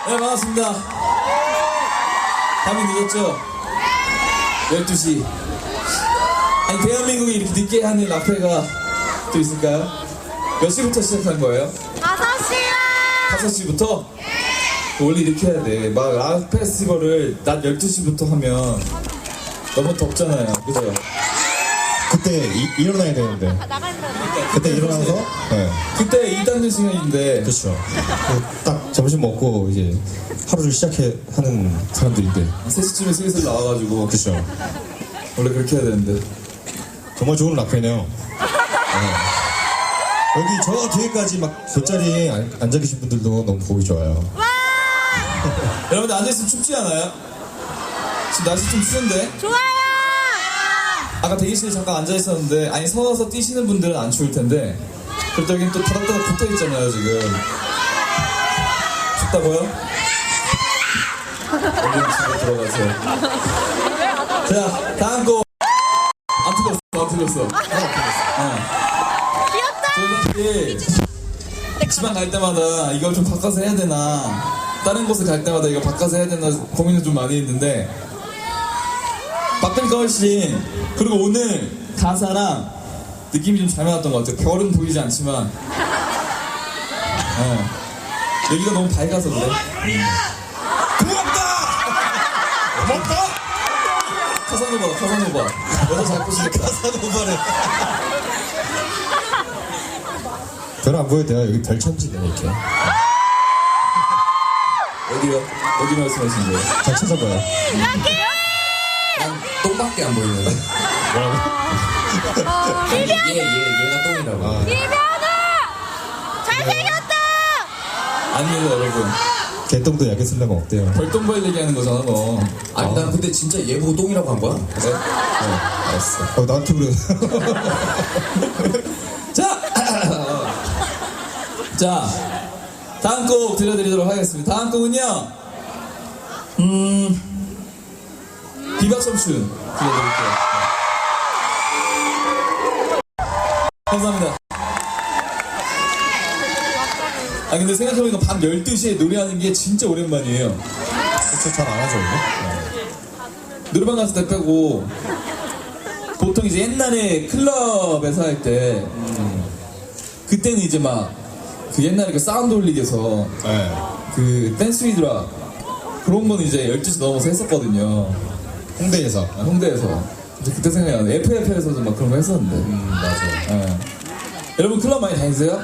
네, 반갑습니다. 밤이 늦었죠? 12시. 아니, 대한민국이 이렇게 늦게 하는 라페가 또 있을까요? 몇 시부터 시작한 거예요? 5시요! 5시부터? 원래 이렇게 해야 돼. 막 락 페스티벌을 낮 12시부터 하면 너무 덥잖아요. 그죠? 그때 일어나야 되는데. 그때 일어나서 네. 그때 일단은 시간인데. 그렇죠. 딱 점심 먹고 이제 하루를 하는 사람들인데. 3시쯤에 슬슬 나와가지고. 그렇죠. 원래 그렇게 해야 되는데. 정말 좋은 락페네요. 네. 여기 저 뒤에까지 막 돗자리에 앉아 계신 분들도 너무 보기 좋아요. 여러분들 앉아있으면 춥지 않아요? 지금 날씨 좀 추운데? 좋아요! 아까 대기실에 잠깐 앉아있었는데, 아니 서서 뛰시는 분들은 안 추울 텐데, 그래도 여긴 또 다닥다닥 붙어있잖아요 지금. 춥다고요? 얼른 집에 들어가세요. 자, 다음 곡. 안 틀렸어. 귀엽다! 저희 사실 집안 갈 때마다 이걸 좀 바꿔서 해야 되나, 다른 곳에 갈 때마다 이거 바꿔서 해야 되나 고민을 좀 많이 했는데, 바꾸니까 훨씬. 그리고 오늘 가사랑 느낌이 좀 잘 맞았던 것 같아요. 별은 보이지 않지만 여기가 너무 밝아서 그래. 고맙다! 카사노바 여자 잘 보시겠다. 카사노바래. 별은 안 보여도 돼요. 여기 별 천지네 이렇게. 어디요? 어디 말씀하시는 거예요? 잘 찾아봐요. 난 똥밖에 안 보이는데. 뭐라고? 얘가 똥이라고. 이면아! 잘생겼다! 아니에요 여러분, 개똥도 약에 쓰려면 없대요. 별똥별 얘기하는 거잖아 너. 아니 난 근데 진짜 얘 보고 똥이라고 한 거야? 그래? 알았어. 나한테 그래. 자, 다음 곡 들려드리도록 하겠습니다. 다음 곡은요, 비박섬춘 들려드릴게요. 감사합니다. 아, 근데 생각해보니까 밤 12시에 노래하는 게 진짜 오랜만이에요. 그렇죠. 잘 안 하죠 원래. 노래방 갔을 때 빼고, 보통 이제 옛날에 클럽에서 할 때, 그때는 이제 막, 그 옛날에 그 사운드 올리기에서, 네. 그 댄스 위드라, 그런 거는 이제 12시 넘어서 했었거든요. 홍대에서. 홍대에서. 이제 그때 생각이 나네. FF에서도 막 그런 거 했었는데. 맞아요. 예. 여러분 클럽 많이 다니세요?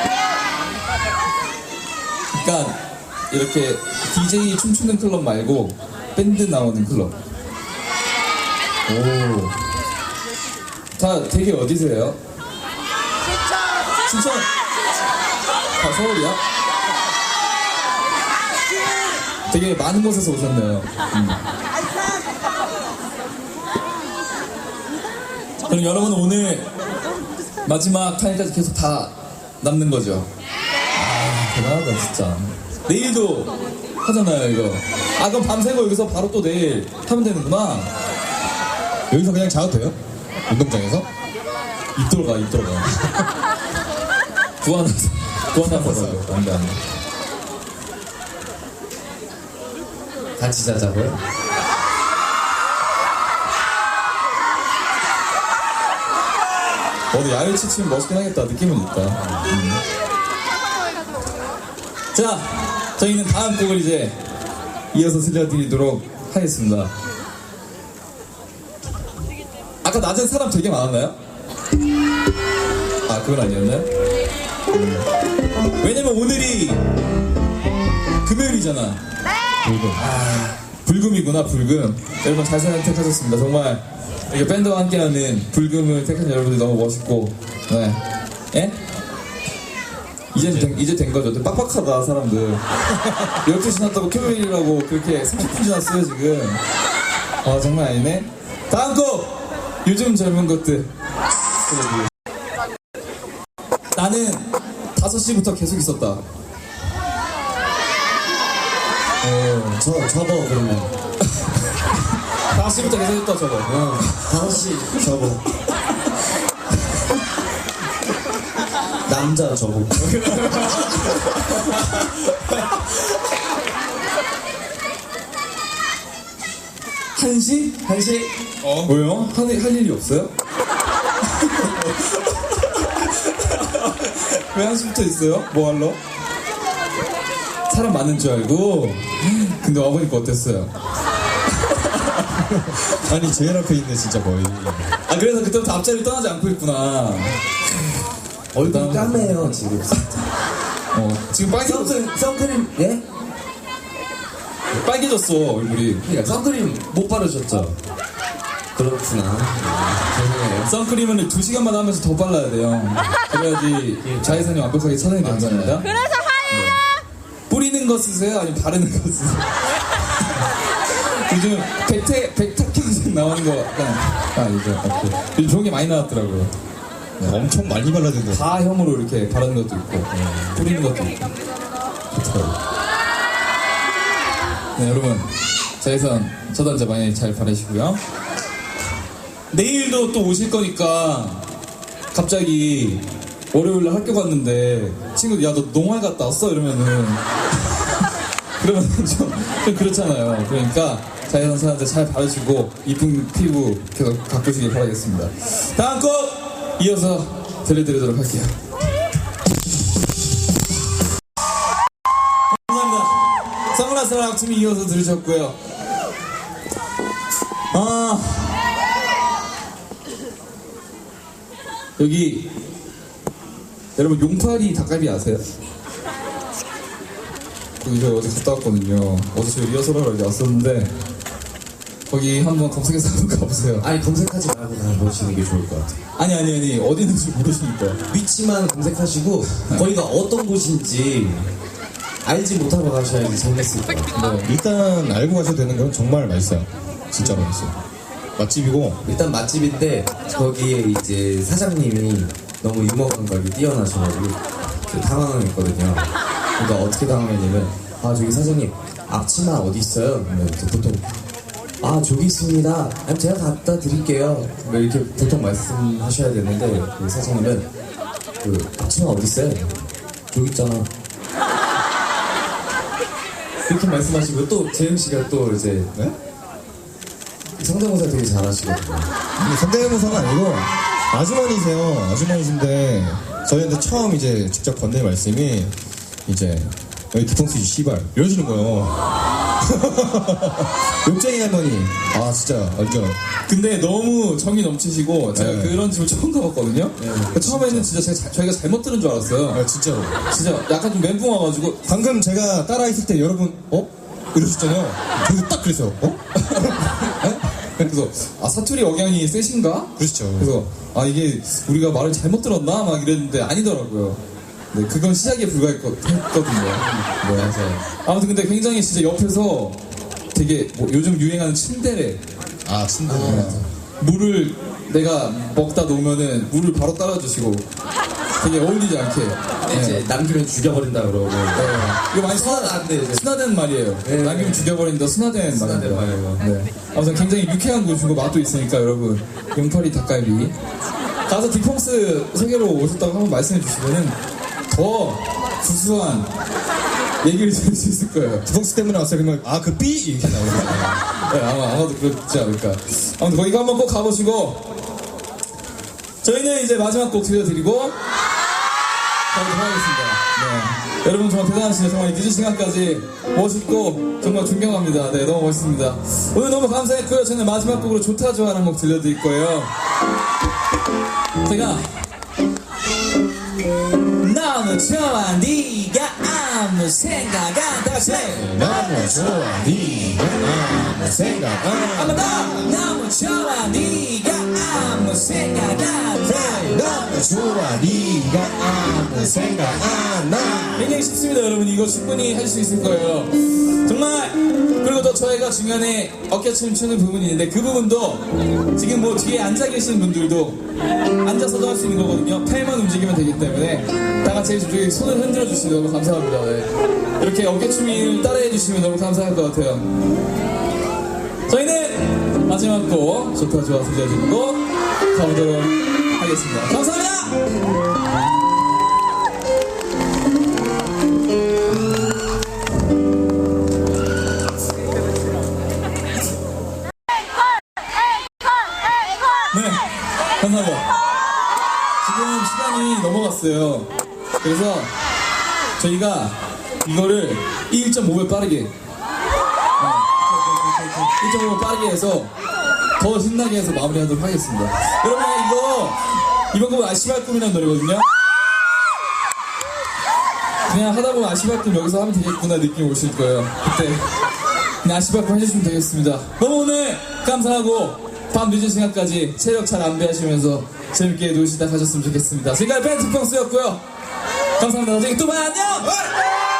그러니까 이렇게 DJ 춤추는 클럽 말고 밴드 나오는 클럽. 오. 다 되게 어디세요? 춘천. 다 서울이야? 되게 많은 곳에서 오셨네요. 그럼 여러분은 오늘 마지막 타임까지 계속 다 남는 거죠? 아, 대단하다 진짜. 내일도 하잖아요 이거. 아, 그럼 밤새고 여기서 바로 또 내일 하면 되는구나. 여기서 그냥 자도 돼요? 운동장에서? 입 들어가. 구하나서 안돼. 같이 자자고요? 어디 야외 치치면 멋있긴 하겠다. 느낌은 있다. 자, 저희는 다음 곡을 이제 이어서 들려드리도록 하겠습니다. 아까 낮엔 사람 되게 많았나요? 아, 그건 아니었나요? 왜냐면 오늘이 금요일이잖아. 불금이구나, 불금. 여러분 잘 선택하셨습니다. 정말 이렇게 밴드와 함께하는 불금을 택한 여러분들 너무 멋있고, 네. 예? 이제 된 거죠. 근데 빡빡하다 사람들. 12시 지났다고 토요일이라고 그렇게 30분 지났어요 지금. 아, 장난 아니네. 다음 곡! 요즘 젊은 것들. 나는 5시부터 계속 있었다. 접어 그러면. 5시부터 계속 있다 저거. 5시 접어. 남자 접어. 한시? 한시? 왜요? 할 일이 없어요? 왜 한시부터 있어요? 뭐 하러? 사람 많은 줄 알고? 근데 와보니까 어땠어요? 아니 제일 앞에 있네 진짜 거의. 아 그래서 그때부터 앞자리를 떠나지 않고 있구나. 얼굴 까매요 지금. 지금 선크림 예? 빨개졌어 얼굴이. 그러니까 선크림 못 바르셨죠? 그렇구나. 죄송해요. 선크림은 2시간마다 하면서 더 발라야 돼요. 그래야지 자외선이 완벽하게 차단이 된답니다. 그래서 화해요. 뿌리는 거 쓰세요? 아니면 바르는 거 쓰세요? 요즘 백탁현상 나오는 거 약간 이제 요즘 좋은 게 많이 나왔더라고요. 엄청 많이 발라den데. 가혐으로 이렇게 바르는 것도 있고 뿌리는 것도 있고 좋더라고요. 네 여러분 자외선 차단제 많이 잘 바르시고요. 내일도 또 오실 거니까 갑자기 월요일날 학교 갔는데 친구들 야 너 농활 갔다 왔어? 이러면은 그러면 좀 그렇잖아요. 그러니까 자외선 차단제 잘 바르시고 이쁜 피부 계속 가꾸시길 바라겠습니다. 다음 곡 이어서 들려드리도록 할게요. 감사합니다. 선글라스랑 악춤이 이어서 들으셨고요. 여기 여러분 용파리 닭갈비 아세요? 거기 저 어제 갔다 왔거든요. 어제 저 리허설하러 여기 왔었는데 거기 한번 검색해서 한번 가보세요. 아니 검색하지 말고 그냥 보시는 게 좋을 것 같아요. 아니 어디 있는지 모르시니까. 위치만 검색하시고 거기가 어떤 곳인지 알지 못하고 가셔야지 재밌을 것 같아요. 네, 일단 알고 가셔도 되는 건 정말 맛있어요. 진짜로 맛있어요. 맛집이고. 일단 맛집인데 거기에 이제 사장님이 너무 유머 감각이 뛰어나셔가지고 당황했거든요. 그러니까 어떻게 당황했냐면 아 저기 사장님 앞치마 어디 있어요? 그러면 이제 보통 아 저기 있습니다. 아니, 제가 갖다 드릴게요. 뭐 이렇게 보통 말씀하셔야 되는데 그 사장님은 그 앞치마 어디 있어요? 저기 있잖아. 이렇게 말씀하시고 또 재영 씨가 또 이제 네? 성대모사 되게 잘하시거든요. 성대모사가 아니고 아주머니세요. 아주머니신데 저희한테 처음 이제 직접 건넨 말씀이 이제 여기 뒤통수지 씨발 이러시는 거예요. 욕쟁이 할머니. 아 진짜 완전. 근데 너무 정이 넘치시고 제가 네. 그런 집을 처음 가봤거든요. 그러니까 처음에는 진짜 저희가 잘못 들은 줄 알았어요. 아 진짜로. 진짜 약간 좀 멘붕 와가지고 방금 제가 따라 있을 때 여러분 이러셨잖아요. 저도 딱 그랬어요. 그래서 사투리 억양이 세신가? 그렇죠. 그래서 이게 우리가 말을 잘못 들었나? 막 이랬는데 아니더라고요. 네, 그건 시작에 불과했거든요. 뭐라서 아무튼 근데 굉장히 진짜 옆에서 되게 뭐 요즘 유행하는 츤데레 아 친구. 물을 내가 먹다 놓으면은 물을 바로 따라주시고 되게 어울리지 않게 이제 남기면 죽여버린다 그러고 이거 많이 순화돼 이제 순화된 말이에요. 네. 남기면 죽여버린다 순화된 순화된 말입니다. 말이에요. 네. 아무튼 굉장히 유쾌한 곳이고 맛도 있으니까 여러분 용파리 닭갈비 가서 디펑스 소개로 오셨다고 한번 말씀해 주시면은 더 구수한 얘기를 들을 수 있을 거예요. 디펑스 때문에 왔어요. 그러면 그 삐 이렇게 나오거든요. 네, 아마도 그렇지 않을까. 아무튼 거기 한번 꼭 가보시고 저희는 이제 마지막 곡 들려드리고 가보도록 하겠습니다. 네. 여러분 정말 대단하시네요. 정말 늦은 시간까지 멋있고 정말 존경합니다. 네, 너무 멋있습니다. 오늘 너무 감사했고요. 저는 마지막 곡으로 좋다 좋아라는 곡 들려드릴 거예요. 제가 너무 좋아 네가 아무 생각 안 다시 너무 좋아 네가 아무 생각 한번 더 너무 좋아 네가 아무 생각 안 해. 너무 좋아 네가 아무 생각 안 나. 굉장히 쉽습니다 여러분. 이거 충분히 할 수 있을 거예요 정말. 그리고 또 저희가 중간에 어깨춤 추는 부분이 있는데 그 부분도 지금 뭐 뒤에 앉아 계신 분들도 앉아서도 할 수 있는 거거든요. 팔만 움직이면 되기 때문에 다 같이 저기 손을 흔들어 주시면 너무 감사합니다. 네. 이렇게 어깨춤을 따라해 주시면 너무 감사할 것 같아요. 저희는 마지막 곡 좋다 좋아 들려드리고 가보도록 하겠습니다. 감사합니다. 왔어요. 그래서 저희가 이거를 1.5배 빠르게 1.5배 빠르게 해서 더 신나게 해서 마무리하도록 하겠습니다. 여러분 이번 곡은 아시발 꿈이라는 노래거든요. 그냥 하다 보면 아시발 꿈 여기서 하면 되겠구나 느낌이 오실 거예요. 그때 그냥 아시발 꿈 해주시면 되겠습니다. 너무 오늘 감사하고 밤 늦은 시간까지 체력 잘 안배하시면서 재밌게 놀시다 가셨으면 좋겠습니다. 지금까지 밴드 평수였고요. 감사합니다. 나중에 또 봐요. 안녕!